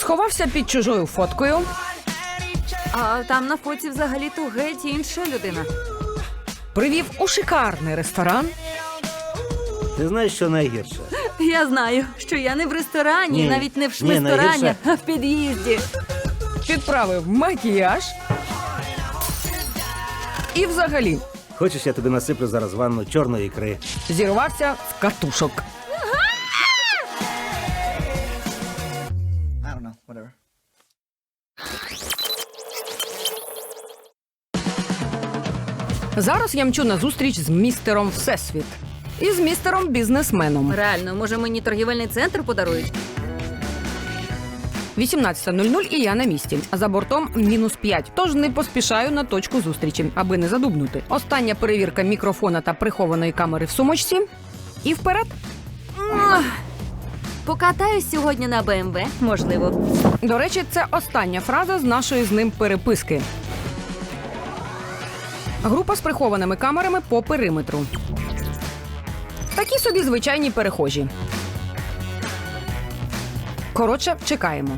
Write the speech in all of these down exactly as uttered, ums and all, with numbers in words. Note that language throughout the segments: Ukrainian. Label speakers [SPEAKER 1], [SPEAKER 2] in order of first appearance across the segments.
[SPEAKER 1] Сховався під чужою фоткою.
[SPEAKER 2] А там на фоці взагалі-то геть інша людина.
[SPEAKER 1] Привів у шикарний ресторан.
[SPEAKER 3] Ти знаєш, що найгірше?
[SPEAKER 2] Я знаю, що я не в ресторані,
[SPEAKER 3] Ні.
[SPEAKER 2] навіть не в
[SPEAKER 3] Ні,
[SPEAKER 2] шмисторані,
[SPEAKER 3] найгірше.
[SPEAKER 2] а в під'їзді.
[SPEAKER 1] Підправив макіяж. І взагалі
[SPEAKER 3] Хочеш, я тобі насиплю зараз ванну чорної ікри?
[SPEAKER 1] зірвався з катушок.
[SPEAKER 4] I don't know, whatever.
[SPEAKER 1] Зараз я мчу на зустріч з містером Всесвіт. І з містером бізнесменом.
[SPEAKER 2] Реально, може мені торгівельний центр подарують?
[SPEAKER 1] вісімнадцята нуль нуль і я на місці. За бортом мінус п'ять, тож не поспішаю на точку зустрічі, аби не задубнути. Остання перевірка мікрофона та прихованої камери в сумочці. І вперед.
[SPEAKER 2] Ох. Покатаюсь сьогодні на БМВ, можливо.
[SPEAKER 1] До речі, це остання фраза з нашої з ним переписки. Група з прихованими камерами по периметру. Такі собі звичайні перехожі. Коротше, чекаємо.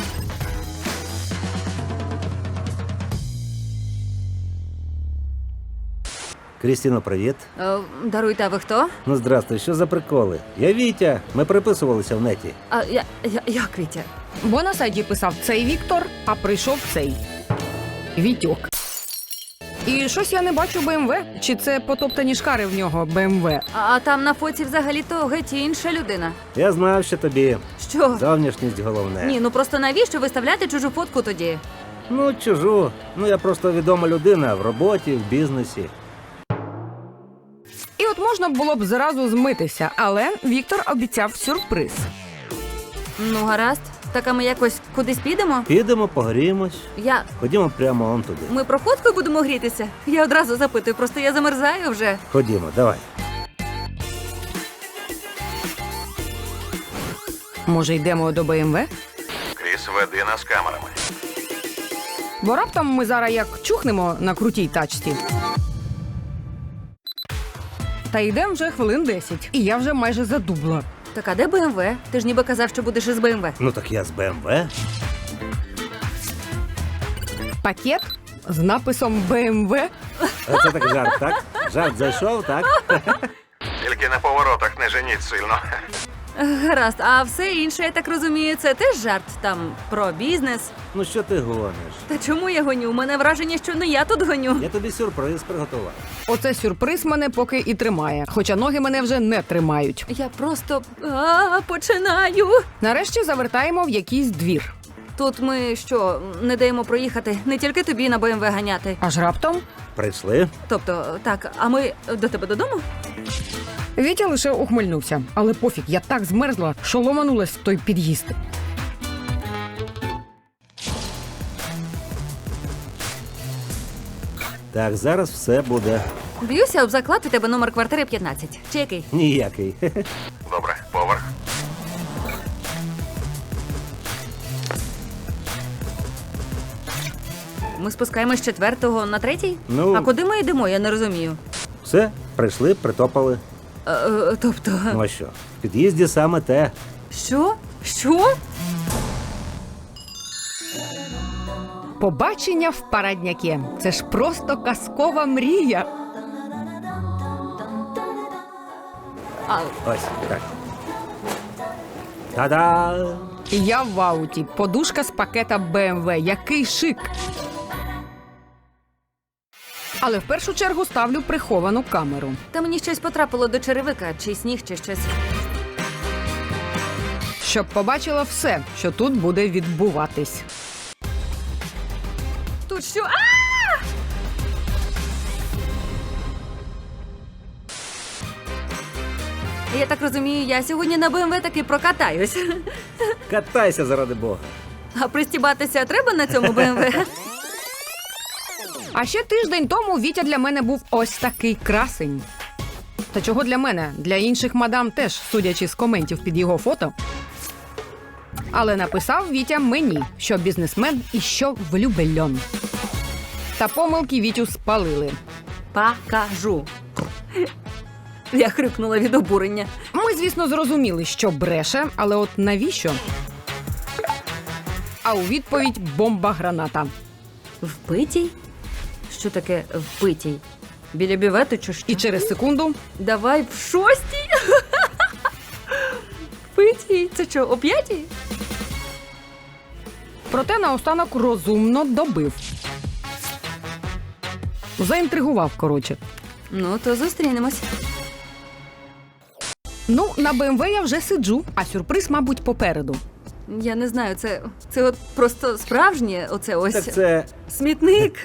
[SPEAKER 3] Крістіно, привіт.
[SPEAKER 2] Е, даруйте, а ви хто?
[SPEAKER 3] Ну, здрастуй, що за приколи? Я Вітя, ми переписувалися в неті.
[SPEAKER 2] А я, я, як Вітя?
[SPEAKER 1] Бо на сайті писав цей Віктор, а прийшов цей Вітьок. І щось я не бачу БМВ. Чи це потоптані шкари в нього БМВ?
[SPEAKER 2] А, а там на фоці взагалі-то геть інша людина.
[SPEAKER 3] Я знав, що тобі
[SPEAKER 2] Що?
[SPEAKER 3] зовнішність головне.
[SPEAKER 2] Ні, ну просто навіщо виставляти чужу фотку тоді?
[SPEAKER 3] Ну, чужу. Ну, я просто відома людина в роботі, в бізнесі.
[SPEAKER 1] І от можна було б зразу змитися, але Віктор обіцяв сюрприз.
[SPEAKER 2] Ну, гаразд. Так, а ми якось кудись підемо?
[SPEAKER 3] Підемо, погріємось.
[SPEAKER 2] Я...
[SPEAKER 3] Ходімо прямо он туди.
[SPEAKER 2] Ми про фотку будемо грітися? Я одразу запитую, просто я замерзаю вже.
[SPEAKER 3] Ходімо, давай.
[SPEAKER 1] Може, йдемо до БМВ?
[SPEAKER 5] Кріс, веди нас камерами.
[SPEAKER 1] Бо раптом ми зараз як чухнемо на крутій тачці. Та йдемо вже хвилин десять, і я вже майже задубла.
[SPEAKER 2] Так, а де БМВ? Ти ж ніби казав, що будеш із БМВ.
[SPEAKER 3] Ну, так я з БМВ.
[SPEAKER 1] Пакет з написом БМВ.
[SPEAKER 3] А це так жарт, так? Жарт зайшов, так?
[SPEAKER 5] Тільки на поворотах не женіть сильно.
[SPEAKER 2] Гаразд, а все інше, я так розумію, це теж жарт там про бізнес.
[SPEAKER 3] Ну, що ти гониш?
[SPEAKER 2] Та чому я гоню? У мене враження, що не я тут гоню.
[SPEAKER 3] Я тобі сюрприз приготував.
[SPEAKER 1] Оце сюрприз мене поки і тримає, хоча ноги мене вже не тримають.
[SPEAKER 2] Я просто а, починаю.
[SPEAKER 1] Нарешті завертаємо в якийсь двір.
[SPEAKER 2] Тут ми що, не даємо проїхати? Не тільки тобі на БМВ ганяти.
[SPEAKER 1] Аж раптом
[SPEAKER 3] Прийшли?
[SPEAKER 2] Тобто, так, а ми до тебе додому?
[SPEAKER 1] Вітя лише ухмильнувся. Але пофіг, я так змерзла, що ломанулась в той під'їзд.
[SPEAKER 3] Так, зараз все буде
[SPEAKER 2] Б'юся об заклад, у тебе номер квартири п'ятнадцять. Чи який?
[SPEAKER 3] ніякий.
[SPEAKER 5] Добре, поверх.
[SPEAKER 2] Ми спускаємось з четвертого на третій?
[SPEAKER 3] Ну-
[SPEAKER 2] А куди ми йдемо, я не розумію.
[SPEAKER 3] Все, прийшли, притопали.
[SPEAKER 2] Е, е, тобто,
[SPEAKER 3] Ну а що? В під'їзді саме те.
[SPEAKER 2] що? Що?
[SPEAKER 1] Побачення в Парадняке. Це ж просто казкова мрія.
[SPEAKER 2] А,
[SPEAKER 3] Ось, так. Та-да!
[SPEAKER 1] І я в ауті. Подушка з пакета БМВ. Який шик! Але в першу чергу ставлю приховану камеру.
[SPEAKER 2] та мені щось потрапило до черевика, чи сніг, чи щось.
[SPEAKER 1] Щоб побачила все, що тут буде відбуватись.
[SPEAKER 2] Тут що? А! Я так розумію, я сьогодні на БМВ таки прокатаюсь.
[SPEAKER 3] Катайся заради Бога.
[SPEAKER 2] А пристібатися треба на цьому БМВ?
[SPEAKER 1] А ще тиждень тому Вітя для мене був ось такий красень. Та чого для мене? Для інших мадам теж, судячи з коментів під його фото. Але написав Вітя мені, що бізнесмен і що влюбельон. Та помилки Вітю спалили.
[SPEAKER 2] Покажу. Я хрюкнула від обурення.
[SPEAKER 1] Ми, звісно, зрозуміли, що бреше, але от навіщо? а у відповідь бомба-граната.
[SPEAKER 2] Впитій? Що таке впитій? Біля бювету чи що?
[SPEAKER 1] І через секунду
[SPEAKER 2] Давай в шостій? Впитій? Це що, о п'ятій?
[SPEAKER 1] проте наостанок розумно добив. Заінтригував, коротше.
[SPEAKER 2] Ну, то зустрінемось.
[SPEAKER 1] Ну, на Б М В я вже сиджу, а сюрприз, мабуть, попереду.
[SPEAKER 2] Я не знаю, це, це от просто справжнє, оце ось
[SPEAKER 3] Так це
[SPEAKER 2] смітник.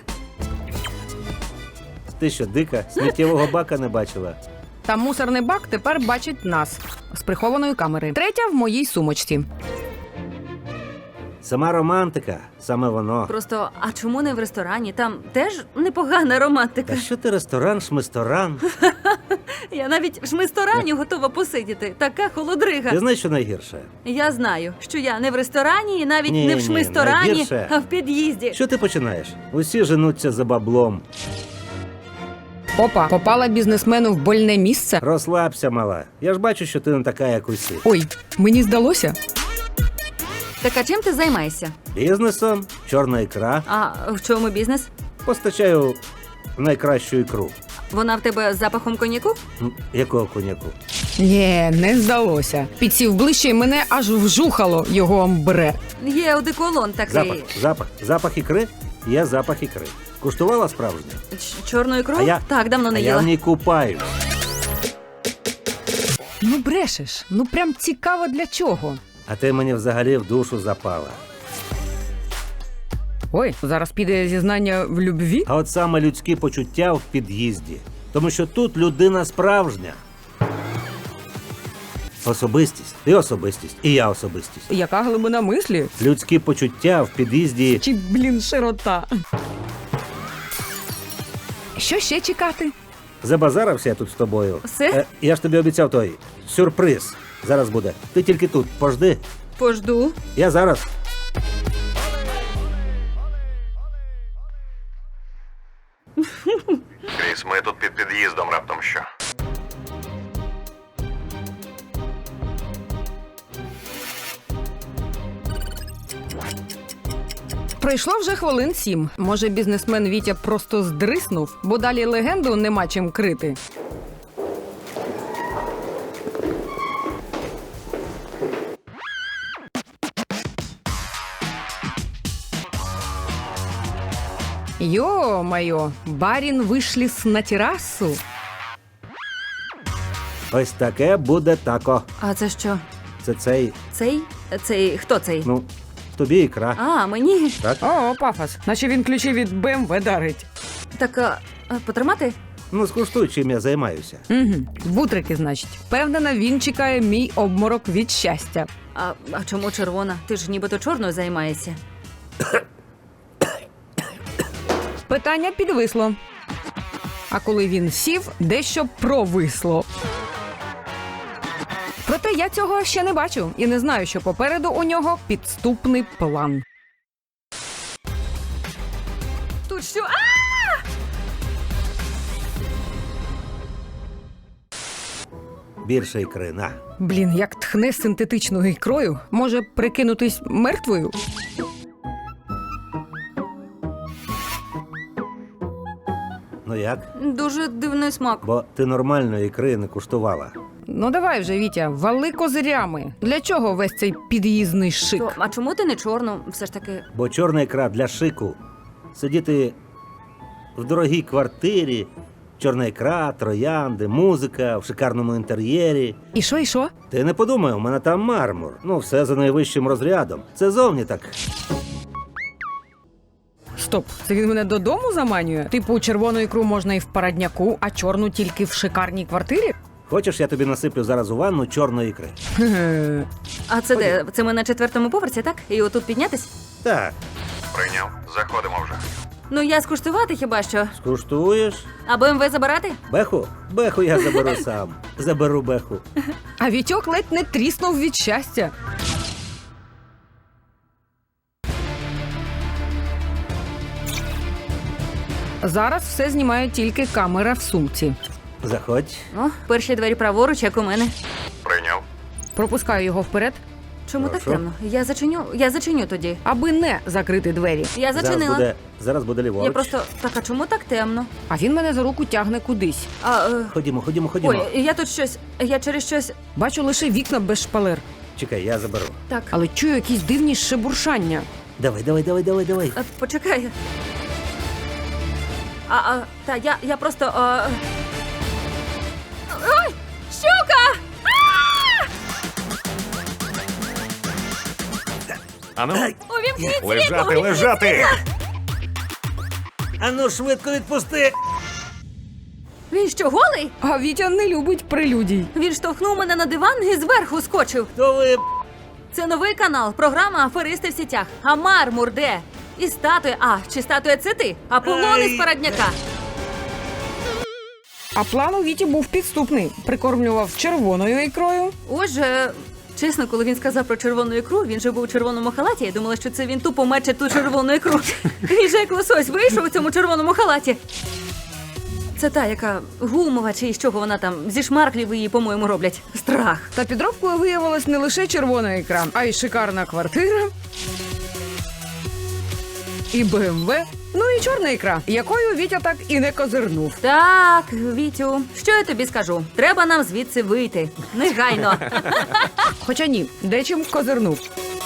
[SPEAKER 3] ти що, дика? Сміттєвого бака не бачила?
[SPEAKER 1] Та мусорний бак тепер бачить нас з прихованої камери. Третя в моїй сумочці.
[SPEAKER 3] Сама романтика, саме воно.
[SPEAKER 2] Просто, а чому не в ресторані? Там теж непогана романтика.
[SPEAKER 3] Та що ти ресторан, шмисторан?
[SPEAKER 2] Я навіть в шмисторані готова посидіти. Така холодрига.
[SPEAKER 3] Ти знаєш, що найгірше?
[SPEAKER 2] Я знаю, що я не в ресторані і навіть
[SPEAKER 3] Ні,
[SPEAKER 2] не в
[SPEAKER 3] ні,
[SPEAKER 2] шмисторані,
[SPEAKER 3] найгірше.
[SPEAKER 2] а в під'їзді.
[SPEAKER 3] Що ти починаєш? Усі женуться за баблом.
[SPEAKER 1] Опа, попала бізнесмену в больне місце.
[SPEAKER 3] Розслабся, мала. Я ж бачу, що ти не така, як усі.
[SPEAKER 1] Ой, мені здалося.
[SPEAKER 2] Так а чим ти займаєшся?
[SPEAKER 3] Бізнесом, чорна ікра.
[SPEAKER 2] А в чому бізнес?
[SPEAKER 3] Постачаю найкращу ікру.
[SPEAKER 2] Вона в тебе з запахом коньяку?
[SPEAKER 3] М, Якого коняку?
[SPEAKER 1] Ні, не здалося. Підсів ближче і мене аж вжухало його амбре.
[SPEAKER 2] Є одеколон такий.
[SPEAKER 3] Запах, запах, запах ікри? Є запах ікри. Куштувала справжнє?
[SPEAKER 2] Ч- Чорну ікру?
[SPEAKER 3] А я-
[SPEAKER 2] Так, давно не
[SPEAKER 3] А я
[SPEAKER 2] їла.
[SPEAKER 3] в ній купаюсь.
[SPEAKER 1] Ну брешеш, ну прям цікаво для чого.
[SPEAKER 3] А ти мені взагалі в душу запала.
[SPEAKER 1] Ой, зараз піде зізнання в любві.
[SPEAKER 3] А от саме людські почуття в під'їзді. Тому що тут людина справжня. Особистість. Ти особистість. І я особистість.
[SPEAKER 1] Яка глибина мислі?
[SPEAKER 3] Людські почуття в під'їзді.
[SPEAKER 1] Чи, блін, широта. Що ще чекати?
[SPEAKER 3] Забазарився я тут з тобою.
[SPEAKER 2] Все?
[SPEAKER 3] Е, я ж тобі обіцяв той сюрприз. Зараз буде. Ти тільки тут. Пожди.
[SPEAKER 2] Пожду.
[SPEAKER 3] Я зараз.
[SPEAKER 5] Кріс, ми тут під під'їздом раптом що.
[SPEAKER 1] Пройшло вже хвилин сім. Може, бізнесмен Вітя просто здриснув, бо далі легенду нема чим крити. Ё-моё, барін вишліс на терасу.
[SPEAKER 3] Ось таке буде тако.
[SPEAKER 2] А це що?
[SPEAKER 3] Це цей,
[SPEAKER 2] Цей? Цей хто цей?
[SPEAKER 3] ну, тобі ікра.
[SPEAKER 2] А, мені.
[SPEAKER 3] Так?
[SPEAKER 1] О, пафос. Наче він ключі від Б М В дарить.
[SPEAKER 2] Так, а, а, потримати?
[SPEAKER 3] Ну, скуштуй, чим я займаюся.
[SPEAKER 1] Угу. Бутрики, значить. Впевнена, він чекає мій обморок від щастя.
[SPEAKER 2] А, а чому червона? Ти ж нібито чорною займаєшся.
[SPEAKER 1] Питання підвисло. А коли він сів, дещо провисло. Проте я цього ще не бачу і не знаю, що попереду у нього підступний план.
[SPEAKER 2] Тут що? А!
[SPEAKER 3] Більше ікри, на.
[SPEAKER 1] Блін, як тхне синтетичною ікрою, може прикинутись мертвою?
[SPEAKER 3] Ну як?
[SPEAKER 2] Дуже дивний смак.
[SPEAKER 3] Бо ти нормальної ікри не куштувала.
[SPEAKER 1] Ну давай вже, Вітя, вали козирями. Для чого весь цей під'їзний шик?
[SPEAKER 2] То, а чому ти не чорну? Все ж таки.
[SPEAKER 3] Бо чорна ікра для шику. Сидіти в дорогій квартирі, чорна ікра, троянди, музика в шикарному інтер'єрі.
[SPEAKER 1] І що, і що?
[SPEAKER 3] Ти не подумай, у мене там мармур. Ну, все за найвищим розрядом. Це зовні так.
[SPEAKER 1] Стоп, це він мене додому заманює? Типу, червону ікру можна і в парадняку, а чорну тільки в шикарній квартирі?
[SPEAKER 3] Хочеш, я тобі насиплю зараз у ванну чорної ікри?
[SPEAKER 1] Ге-ге.
[SPEAKER 2] А це де? Це ми на четвертому поверсі, так? І отут піднятись?
[SPEAKER 3] Так,
[SPEAKER 5] Прийняв. Заходимо вже.
[SPEAKER 2] Ну я скуштувати хіба що.
[SPEAKER 3] скуштуєш?
[SPEAKER 2] А Б М В забирати?
[SPEAKER 3] Беху? Беху я заберу сам. Заберу беху.
[SPEAKER 1] А Вітьок ледь не тріснув від щастя. Зараз все знімає тільки камера в сумці.
[SPEAKER 3] Заходь.
[SPEAKER 2] О, перші двері праворуч, як у мене.
[SPEAKER 5] Прийняв.
[SPEAKER 1] Пропускаю його вперед.
[SPEAKER 2] Чому так
[SPEAKER 3] Прошу?
[SPEAKER 2] темно? Я зачиню, я зачиню тоді.
[SPEAKER 1] Аби не закрити двері.
[SPEAKER 2] Я
[SPEAKER 3] Зараз
[SPEAKER 2] зачинила.
[SPEAKER 3] буде, зараз буде ліворуч.
[SPEAKER 2] Я просто так, а чому так темно?
[SPEAKER 1] А він мене за руку тягне кудись.
[SPEAKER 2] А, е...
[SPEAKER 3] Ходімо, ходімо, ходімо.
[SPEAKER 2] Ой, я тут щось. Я через щось.
[SPEAKER 1] Бачу лише вікна без шпалер,
[SPEAKER 3] Чекай, я заберу.
[SPEAKER 2] Так.
[SPEAKER 1] але чую якісь дивні шебуршання.
[SPEAKER 3] Давай, давай, давай, давай, давай.
[SPEAKER 2] А, почекай. А, а, та я, я просто. А... Ой! Щука!
[SPEAKER 5] Ану,
[SPEAKER 2] Увімкніть
[SPEAKER 5] лежати,
[SPEAKER 2] світло!
[SPEAKER 5] лежати!
[SPEAKER 3] Ану, швидко відпусти!
[SPEAKER 2] Він що, голий?
[SPEAKER 1] А Вітя не любить прелюдій.
[SPEAKER 2] Він штовхнув мене на диван і зверху скочив.
[SPEAKER 3] То ви...
[SPEAKER 2] Це новий канал, програма «Аферисти в сітях». А мармур де? І статуя. А, чи статуя це ти? Аполлон
[SPEAKER 3] Ай.
[SPEAKER 2] із Парадняка.
[SPEAKER 1] А план у Віті був підступний. Прикормлював червоною ікрою.
[SPEAKER 2] Отже, чесно, коли він сказав про червону ікру, він же був у червоному халаті. Я думала, що це він тупо мече ту червону ікру. Він же як лосось вийшов у цьому червоному халаті. Це та, яка гумова, чи з чого вона там, зі шмарклів її, по-моєму, роблять. Страх.
[SPEAKER 1] Та підробкою виявилась не лише червона ікра, а й шикарна квартира. І БМВ. Ну і чорна ікра, якою Вітя так і не козирнув.
[SPEAKER 2] Так, Вітю, що я тобі скажу? Треба нам звідси вийти. Негайно.
[SPEAKER 1] Хоча ні, дечим козирнув.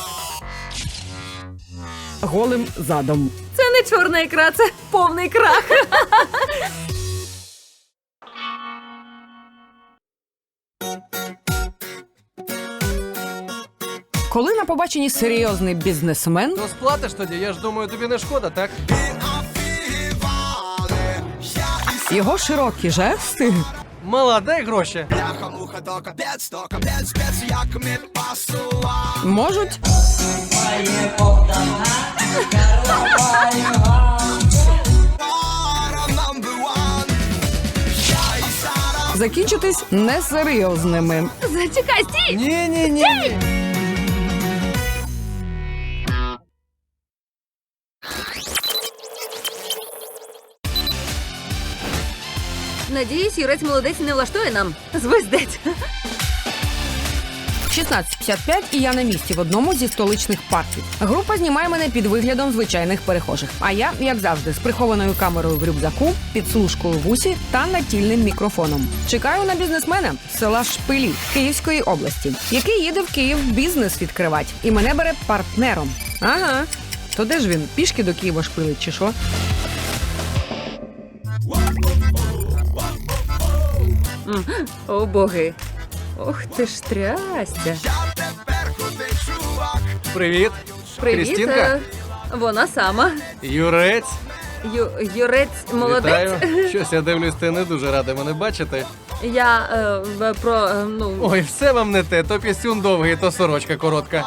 [SPEAKER 1] Голим задом.
[SPEAKER 2] Це не чорна ікра, це повний крах.
[SPEAKER 1] Коли на побаченні серйозний бізнесмен,
[SPEAKER 4] Ну сплатиш тоді, я ж думаю, тобі не шкода, так?
[SPEAKER 1] його широкі жести
[SPEAKER 4] Мала, дай гроші.
[SPEAKER 1] можуть закінчитись несерйозними.
[SPEAKER 2] Зачекай, стій!
[SPEAKER 4] Ні, ні, ні. ні.
[SPEAKER 2] Надіюсь, юрець молодець не влаштує нам. Звездець.
[SPEAKER 1] шістнадцять п'ятдесят п'ять і я на місці в одному зі столичних парків. Група знімає мене під виглядом звичайних перехожих. А я, як завжди, з прихованою камерою в рюкзаку, підслужкою в усі та натільним мікрофоном. Чекаю на бізнесмена з села Шпилі Київської області, який їде в Київ бізнес відкривати. І мене бере партнером. Ага. То де ж він? Пішки до Києва шпилить чи що?
[SPEAKER 2] О, боги. Ох ти ж трястя.
[SPEAKER 4] Привіт.
[SPEAKER 2] Привіт.
[SPEAKER 4] Крістінка?
[SPEAKER 2] е, Вона сама.
[SPEAKER 4] Юрець.
[SPEAKER 2] Ю, юрець молодець.
[SPEAKER 4] Вітаю. Щось я дивлюсь, ти не дуже радий мене бачити.
[SPEAKER 2] Я е, в- про, е, ну...
[SPEAKER 4] Ой, все вам не те. То пісюн довгий, то сорочка коротка.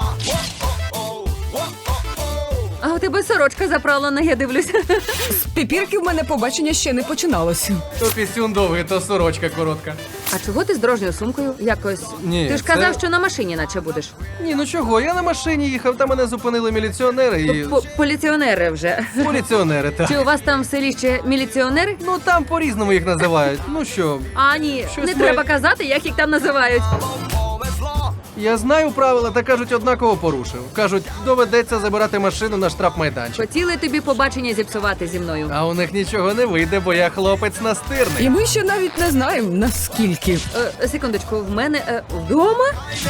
[SPEAKER 2] А у тебе сорочка заправлена, я дивлюся.
[SPEAKER 1] З піпірки в мене побачення ще не починалося.
[SPEAKER 4] То пісюн довгий, то сорочка коротка.
[SPEAKER 2] А чого ти з дорожньою сумкою? Якось.
[SPEAKER 4] Ні,
[SPEAKER 2] Ти ж
[SPEAKER 4] це-
[SPEAKER 2] казав, що на машині наче будеш.
[SPEAKER 4] Ні, ну чого, я на машині їхав, там мене зупинили міліціонери і...
[SPEAKER 2] П- Поліціонери вже.
[SPEAKER 4] Поліціонери, так.
[SPEAKER 2] Чи у вас там в селі ще міліціонери?
[SPEAKER 4] Ну там по-різному їх називають. Ну що,
[SPEAKER 2] А, ні,
[SPEAKER 4] Щось
[SPEAKER 2] не
[SPEAKER 4] ми-
[SPEAKER 2] треба казати, як їх там називають.
[SPEAKER 4] я знаю правила, та кажуть, однаково порушив. Кажуть, доведеться забирати машину на штрафмайданчик.
[SPEAKER 2] Хотіли тобі побачення зіпсувати зі мною.
[SPEAKER 4] А у них нічого не вийде, бо я хлопець настирний.
[SPEAKER 1] І ми ще навіть не знаємо, наскільки.
[SPEAKER 2] Е, секундочку, в мене е, вдома?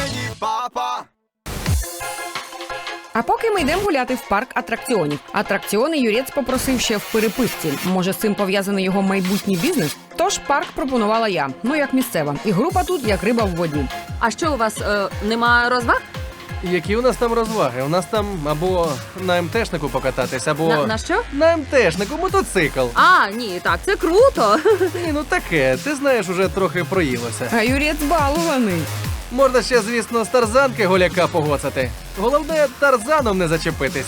[SPEAKER 1] А поки ми йдемо гуляти в парк атракціонів. Атракціони юрець попросив ще в переписці. Може, з цим пов'язаний його майбутній бізнес? Тож парк пропонувала я, ну як місцева. І група тут як риба в воді.
[SPEAKER 2] А що у вас е, нема розваг?
[SPEAKER 4] Які у нас там розваги? У нас там або на МТшнику покататись, або
[SPEAKER 2] На, на що?
[SPEAKER 4] на МТшнику мотоцикл.
[SPEAKER 2] А, ні, так, це круто.
[SPEAKER 4] Ні, ну таке, ти знаєш, уже трохи проїлося.
[SPEAKER 1] А юрець балуваний.
[SPEAKER 4] Можна ще, звісно, з тарзанки голяка погоцати. Головне, тарзаном не зачепитись.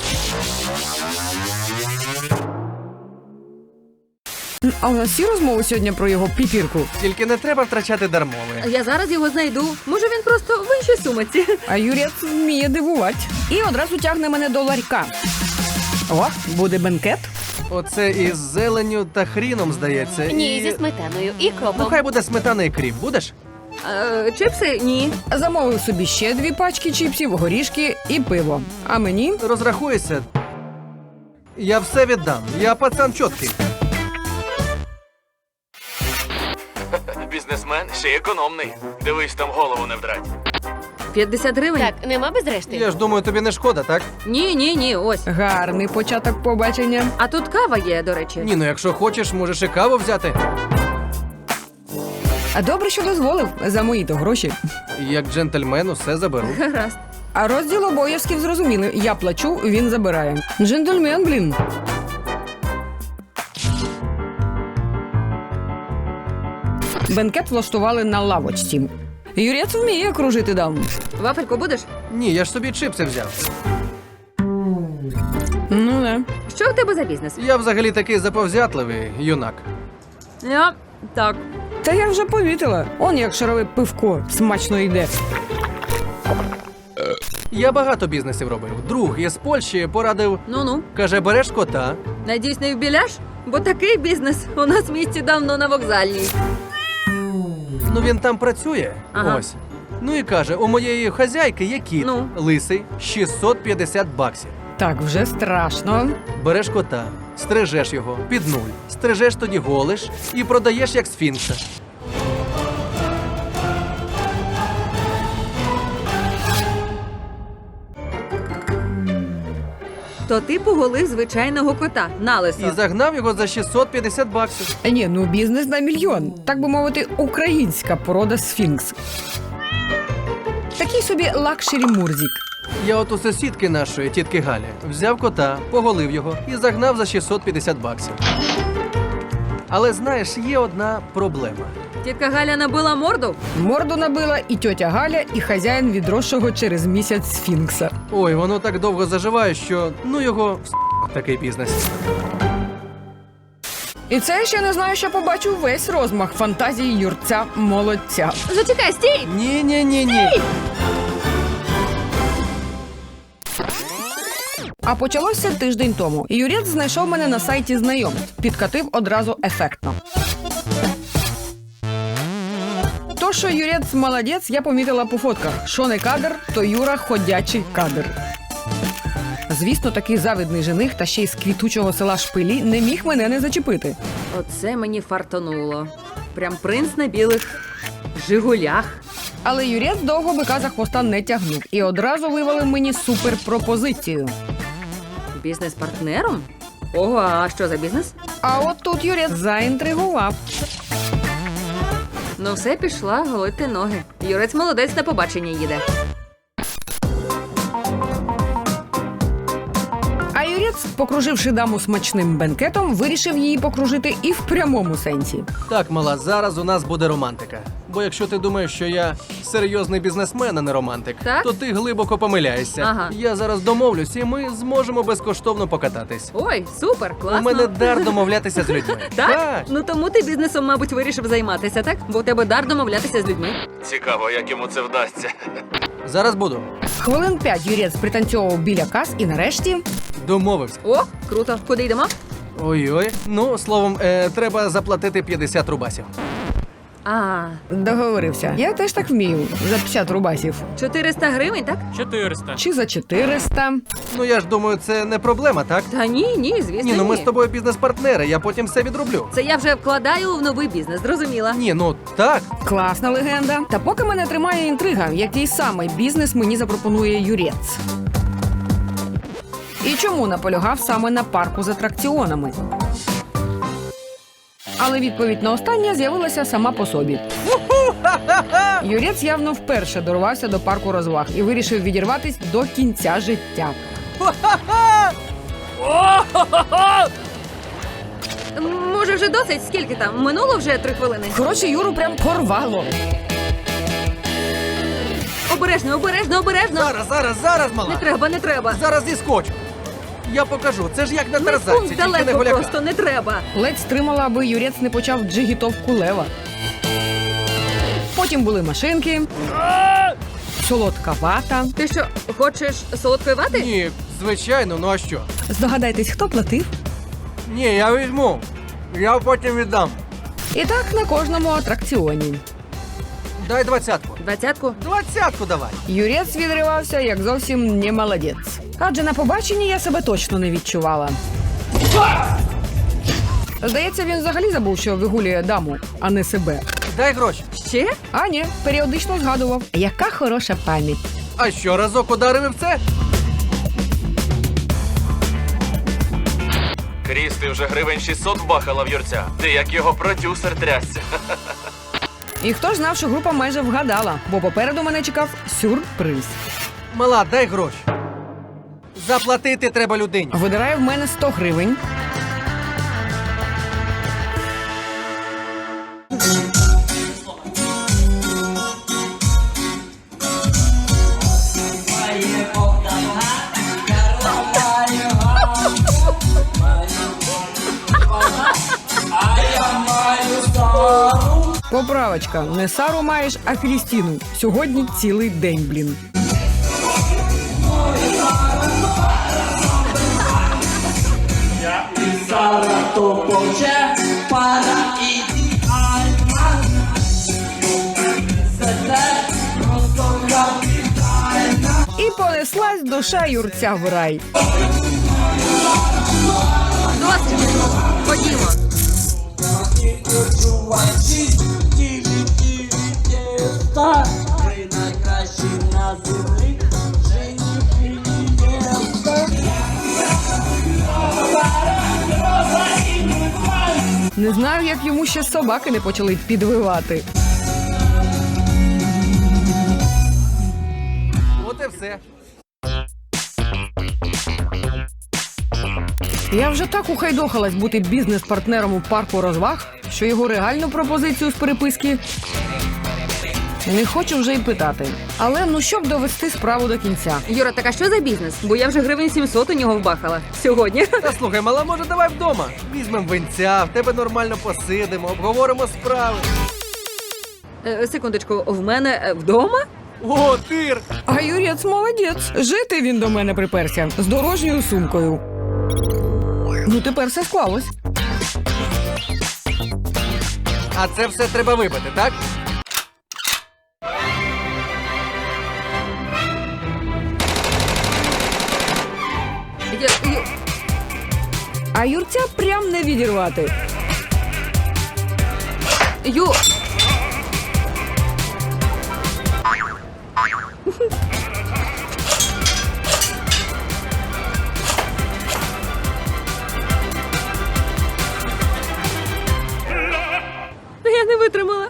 [SPEAKER 1] А у нас є розмови сьогодні про його піпірку.
[SPEAKER 4] Тільки не треба втрачати дармови.
[SPEAKER 2] Я зараз його знайду. Може, він просто в іншій сумиці.
[SPEAKER 1] А юрець вміє дивувати. І одразу тягне мене до ларька. О, буде бенкет.
[SPEAKER 4] Оце із зеленню та хріном, здається.
[SPEAKER 6] Ні,
[SPEAKER 4] і...
[SPEAKER 6] зі сметаною і
[SPEAKER 4] Ну
[SPEAKER 6] кропом.
[SPEAKER 4] хай буде сметана і кріп, будеш?
[SPEAKER 2] Е, чипси? Ні.
[SPEAKER 1] Замовив собі ще дві пачки чіпсів, горішки і пиво. А мені
[SPEAKER 4] Розрахуйся. Я все віддам. Я пацан чіткий.
[SPEAKER 6] Бізнесмен ще й економний. Дивись, там голову не вдрать.
[SPEAKER 2] п'ятдесят гривень?
[SPEAKER 7] Так, нема без решти?
[SPEAKER 4] Я ж думаю, тобі не шкода, так?
[SPEAKER 2] Ні, ні, ні, ось.
[SPEAKER 1] гарний початок побачення.
[SPEAKER 2] А тут кава є, до речі.
[SPEAKER 4] Ні, ну якщо хочеш, можеш і каву взяти.
[SPEAKER 1] А добре, що дозволив за мої-то гроші.
[SPEAKER 4] Як джентльмен усе заберу.
[SPEAKER 2] Гаразд.
[SPEAKER 1] А розділ обов'язків зрозуміли. Я плачу, він забирає. Джентльмен, блін. Бенкет влаштували на лавочці. Юрець вміє кружити дам.
[SPEAKER 2] Вафельку будеш?
[SPEAKER 4] Ні, я ж собі чипси взяв.
[SPEAKER 1] Ну не.
[SPEAKER 2] Що в тебе за бізнес?
[SPEAKER 4] Я взагалі такий заповзятливий юнак.
[SPEAKER 2] Я... Так.
[SPEAKER 1] Та я вже помітила. Он як шарове пивко смачно йде.
[SPEAKER 4] Я багато бізнесів робив. Друг із Польщі порадив,
[SPEAKER 2] Ну-ну.
[SPEAKER 4] каже, береш кота.
[SPEAKER 2] Надіюсь, не вбіляш? Бо такий бізнес у нас в місті давно на вокзальній.
[SPEAKER 4] Ну він там працює.
[SPEAKER 2] Ага.
[SPEAKER 4] Ось. Ну і каже, у моєї хазяйки є кіт,
[SPEAKER 2] Ну?
[SPEAKER 4] лисий, шістсот п'ятдесят баксів.
[SPEAKER 1] Так, вже страшно.
[SPEAKER 4] Береш кота, стрижеш його під нуль, стрижеш тоді голиш і продаєш як сфінкса.
[SPEAKER 2] То ти поголив звичайного кота на лисо.
[SPEAKER 4] І загнав його за шістсот п'ятдесят баксів.
[SPEAKER 1] Ні, ну бізнес на мільйон. Так би мовити, українська порода сфінкс. Такий собі лакшері Мурзік.
[SPEAKER 4] Я от у сусідки нашої, тітки Галі, взяв кота, поголив його і загнав за шістсот п'ятдесят баксів. Але знаєш, є одна проблема.
[SPEAKER 2] Тітка Галя набила морду?
[SPEAKER 1] Морду набила і тьотя Галя, і хазяїн відросшого через місяць сфінкса.
[SPEAKER 4] Ой, воно так довго заживає, що ну його в такий бізнес.
[SPEAKER 1] І це я ще не знаю, що побачу весь розмах фантазії юрця молодця.
[SPEAKER 2] Зачекай, стій!
[SPEAKER 4] Ні, ні, ні, ні.
[SPEAKER 1] А почалося тиждень тому. Юрець знайшов мене на сайті знайомств. Підкатив одразу ефектно. То, що Юрець молодець, я помітила по фотках. Що не кадр, то Юра ходячий кадр. Звісно, такий завидний жених та ще й з квітучого села Шпилі не міг мене не зачепити.
[SPEAKER 2] Оце мені фартонуло. Прям принц на білих жигулях.
[SPEAKER 1] Але Юрець довго бика за хвоста не тягнув і одразу вивалив мені суперпропозицію.
[SPEAKER 2] Бізнес-партнером? Ого, а що за бізнес?
[SPEAKER 1] А от тут Юрець заінтригував.
[SPEAKER 2] Ну все, пішла голити ноги. Юрець молодець, на побачення їде.
[SPEAKER 1] А Юрець, покруживши даму смачним бенкетом, вирішив її покружити і в прямому сенсі.
[SPEAKER 4] Так, мала, зараз у нас буде романтика. Бо якщо ти думаєш, що я серйозний бізнесмен, а не романтик,
[SPEAKER 2] Так?
[SPEAKER 4] то ти глибоко помиляєшся.
[SPEAKER 2] Ага.
[SPEAKER 4] Я зараз домовлюсь, і ми зможемо безкоштовно покататись.
[SPEAKER 2] Ой, супер, класно.
[SPEAKER 4] У мене дар домовлятися з людьми.
[SPEAKER 2] Так? Ну тому ти бізнесом, мабуть, вирішив займатися, так? Бо у тебе дар домовлятися з людьми.
[SPEAKER 6] Цікаво, як йому це вдасться.
[SPEAKER 4] Зараз буду.
[SPEAKER 1] Хвилин п'ять Юрець пританцьовував біля кас і нарешті...
[SPEAKER 4] Домовився.
[SPEAKER 2] О, круто. Куди йдемо?
[SPEAKER 4] Ой-ой. Ну, словом, е, треба заплатити п'ятдесят рубасів.
[SPEAKER 2] А,
[SPEAKER 1] Договорився. Я теж так вмію. За п'ятдесят рубасів.
[SPEAKER 2] чотириста гривень, так?
[SPEAKER 6] чотириста.
[SPEAKER 1] Чи за чотириста.
[SPEAKER 4] Ну я ж думаю, це не проблема, так?
[SPEAKER 2] Та ні, ні, звісно,
[SPEAKER 4] Ні, ну ми
[SPEAKER 2] ні.
[SPEAKER 4] з тобою бізнес-партнери, я потім все відроблю.
[SPEAKER 2] Це я вже вкладаю в новий бізнес, зрозуміла.
[SPEAKER 4] Ні, ну так.
[SPEAKER 1] Класна легенда. Та поки мене тримає інтрига, який саме бізнес мені запропонує Юрець. І чому наполягав саме на парку з атракціонами? Але відповідь на останнє з'явилася сама по собі. Юрець явно вперше дорвався до парку розваг і вирішив відірватись до кінця життя.
[SPEAKER 2] М, Може, вже досить? Скільки там? Минуло вже три хвилини.
[SPEAKER 1] Коротше, Юру прям порвало.
[SPEAKER 2] Обережно, обережно, обережно.
[SPEAKER 4] Зараз, зараз, зараз, мала.
[SPEAKER 2] Не треба, не треба.
[SPEAKER 4] Зараз зіскочу. Я покажу. Це ж як на
[SPEAKER 2] Не
[SPEAKER 4] тарзанці,
[SPEAKER 2] пункт
[SPEAKER 4] тільки не
[SPEAKER 2] далеко
[SPEAKER 4] голяка.
[SPEAKER 2] просто, не треба.
[SPEAKER 1] Ледь стримала, аби Юрець не почав джигітовку лева. Потім були машинки, солодка вата.
[SPEAKER 2] Ти що, хочеш солодкої вати?
[SPEAKER 4] Ні, звичайно, ну а що?
[SPEAKER 1] Здогадайтесь, хто платив?
[SPEAKER 4] Ні, я візьму. Я потім віддам.
[SPEAKER 1] І так на кожному атракціоні.
[SPEAKER 4] Дай двадцятку.
[SPEAKER 2] Двадцятку?
[SPEAKER 4] Двадцятку давай.
[SPEAKER 1] Юрець відривався, як зовсім не молодець. Адже на побаченні я себе точно не відчувала. Здається, він взагалі забув, що вигулює даму, а не себе.
[SPEAKER 4] Дай гроші.
[SPEAKER 2] Ще?
[SPEAKER 1] А ні, періодично згадував. Яка хороша пам'ять.
[SPEAKER 4] А що, разок ударив і все?
[SPEAKER 6] Кріс, ти вже гривень шістсот бахала в Юрця. Ти як його продюсер трясся.
[SPEAKER 1] І хто ж знав, що група майже вгадала, бо попереду мене чекав сюрприз.
[SPEAKER 4] Мала, дай гроші. Заплатити треба людині.
[SPEAKER 1] Видирає в мене сто гривень. Поправочка. Не Сару маєш, а Крістіну. Сьогодні цілий день, блін.
[SPEAKER 7] Sara to pocze para idealna.
[SPEAKER 1] І понеслась душа Юрця в рай.
[SPEAKER 2] Досить. Ходімо.
[SPEAKER 7] Ви найкращі на землі. Жені
[SPEAKER 1] Не знаю, як йому ще собаки не почали підвивати.
[SPEAKER 4] От і все.
[SPEAKER 1] Я вже так ухайдохалась бути бізнес-партнером у парку розваг, що його реальну пропозицію з переписки не хочу вже й питати. Але ну щоб довести справу до кінця.
[SPEAKER 2] Юра, так а що за бізнес? Бо я вже гривень сімсот у нього вбахала. Сьогодні.
[SPEAKER 4] Та слухай, мала, може давай вдома. Візьмем винця, в тебе нормально посидимо, обговоримо справи.
[SPEAKER 2] Е, секундочку, в мене е, вдома?
[SPEAKER 4] О, тир!
[SPEAKER 1] А Юрець молодець. Жити він до мене приперся з дорожньою сумкою. Ну тепер все склалось.
[SPEAKER 4] А це все треба випити, так?
[SPEAKER 2] Я, я...
[SPEAKER 1] А Юрця прям не відірвати.
[SPEAKER 2] Ю... Я не витримала.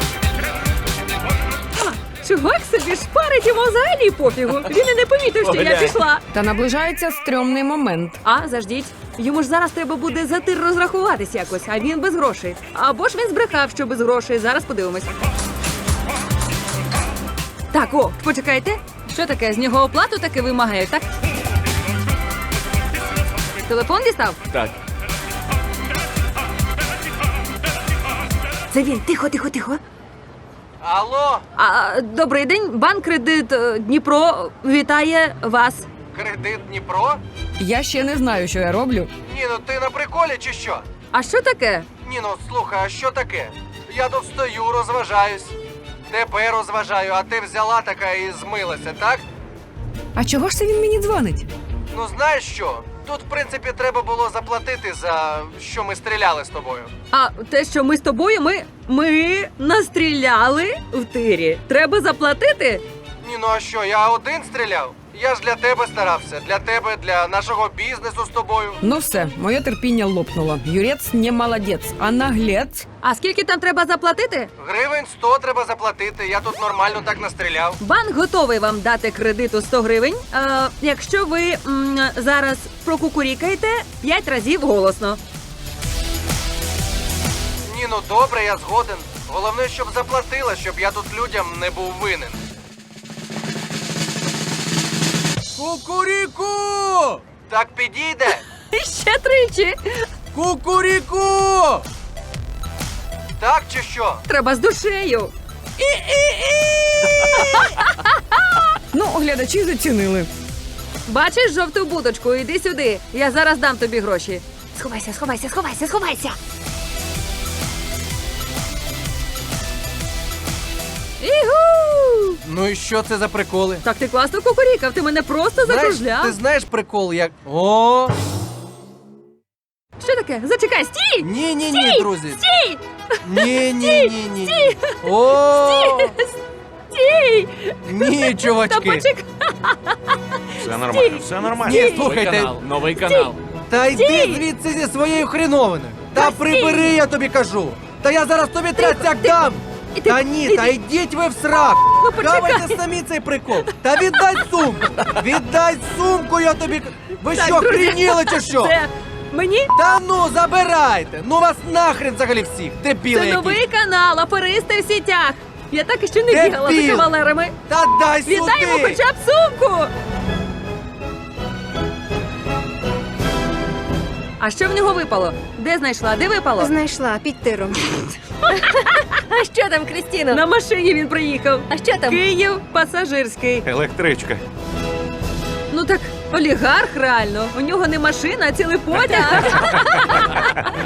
[SPEAKER 2] А, чувак собі шпарить, йому взагалі пофігу. Він і не помітив, що я
[SPEAKER 6] Поглянь.
[SPEAKER 2] пішла.
[SPEAKER 1] Та наближається стрьомний момент.
[SPEAKER 2] А, заждіть. Йому ж зараз треба буде за тир розрахуватись якось, а він без грошей. Або ж він збрехав, що без грошей. Зараз подивимось. Так, о, почекайте. Що таке? З нього оплату таки вимагають, так? Телефон дістав?
[SPEAKER 6] Так.
[SPEAKER 2] Це він. Тихо, тихо, тихо.
[SPEAKER 4] Алло,
[SPEAKER 2] А, добрий день. Банк Кредит е, Дніпро вітає вас.
[SPEAKER 4] кредит Дніпро?
[SPEAKER 1] Я ще не знаю, що я роблю.
[SPEAKER 4] Ні, ну ти на приколі чи що?
[SPEAKER 2] А що таке?
[SPEAKER 4] Ні, ну слухай, а що таке? Я тут стою, розважаюсь. Тебе розважаю, а ти взяла така і змилася, так?
[SPEAKER 1] А чого ж це він мені дзвонить?
[SPEAKER 4] Ну знаєш що? Тут, в принципі, треба було заплатити за що ми стріляли з тобою.
[SPEAKER 2] А те, що ми з тобою, ми, ми настріляли в тирі. Треба заплатити?
[SPEAKER 4] Ні, ну а що, я один стріляв? Я ж для тебе старався, для тебе, для нашого бізнесу з тобою.
[SPEAKER 1] Ну все, моє терпіння лопнуло. Юрець не молодець, а наглець.
[SPEAKER 2] А скільки там треба заплатити?
[SPEAKER 4] Гривень сто треба заплатити, я тут нормально так настріляв.
[SPEAKER 2] Банк готовий вам дати кредиту сто гривень, е, якщо ви м, зараз прокукурікаєте п'ять разів голосно.
[SPEAKER 4] Ні, ну добре, я згоден. Головне, щоб заплатила, щоб я тут людям не був винен. Кукуріку! Так підійде?
[SPEAKER 2] Ще тричі.
[SPEAKER 4] Кукуріку! Так чи що?
[SPEAKER 2] Треба з душею.
[SPEAKER 1] Ну, глядачі зацінили.
[SPEAKER 2] Бачиш жовту будочку, іди сюди. Я зараз дам тобі гроші. Сховайся, сховайся, сховайся, сховайся. І
[SPEAKER 4] Ну і що це за приколи?
[SPEAKER 2] Так ти класно кукурікав, ти мене просто
[SPEAKER 4] Знаєш,
[SPEAKER 2] закружляв.
[SPEAKER 4] ти знаєш прикол, як. О!
[SPEAKER 2] Що таке? Зачекай, стій!
[SPEAKER 4] Ні, ні, ні,
[SPEAKER 2] Стій!
[SPEAKER 4] друзі.
[SPEAKER 2] Стій!
[SPEAKER 4] Ні, ні, ні, ні. О!
[SPEAKER 2] Стій!
[SPEAKER 4] Ні,
[SPEAKER 2] Та
[SPEAKER 4] чувачки.
[SPEAKER 2] почекай!
[SPEAKER 5] Все нормально, все нормально.
[SPEAKER 4] Ні, слухайте.
[SPEAKER 6] новий канал.
[SPEAKER 4] Та йди звідси зі своєю хріновиною. Та прибери, я тобі кажу. Та я зараз тобі трясяк дам.
[SPEAKER 2] І ти-
[SPEAKER 4] Та ні,
[SPEAKER 2] і
[SPEAKER 4] та
[SPEAKER 2] ти-
[SPEAKER 4] йдіть ви в срак!
[SPEAKER 2] Ну, почекай.
[SPEAKER 4] Давайте самі цей прикол! Та віддай сумку! Віддай сумку, я тобі. Ви
[SPEAKER 2] Так,
[SPEAKER 4] що,
[SPEAKER 2] друзі,
[SPEAKER 4] хрініли чи що?
[SPEAKER 2] Це мені?
[SPEAKER 4] Та ну, забирайте! Ну вас нахрен взагалі всіх! Дебіли
[SPEAKER 2] Це
[SPEAKER 4] якісь!
[SPEAKER 2] новий канал, аферисти в сітях. Я так і ще не
[SPEAKER 4] Дебіл!
[SPEAKER 2] бігала за кавалерами.
[SPEAKER 4] Та дай
[SPEAKER 2] Віддай йому
[SPEAKER 4] сюди!
[SPEAKER 2] хоча б сумку! А що в нього випало? Де знайшла? Де випало?
[SPEAKER 8] Знайшла під тиром.
[SPEAKER 2] А що там, Крістіно? На машині він приїхав. А що там? Київ пасажирський.
[SPEAKER 5] Електричка.
[SPEAKER 2] Ну так олігарх реально. У нього не машина, а цілий потяг.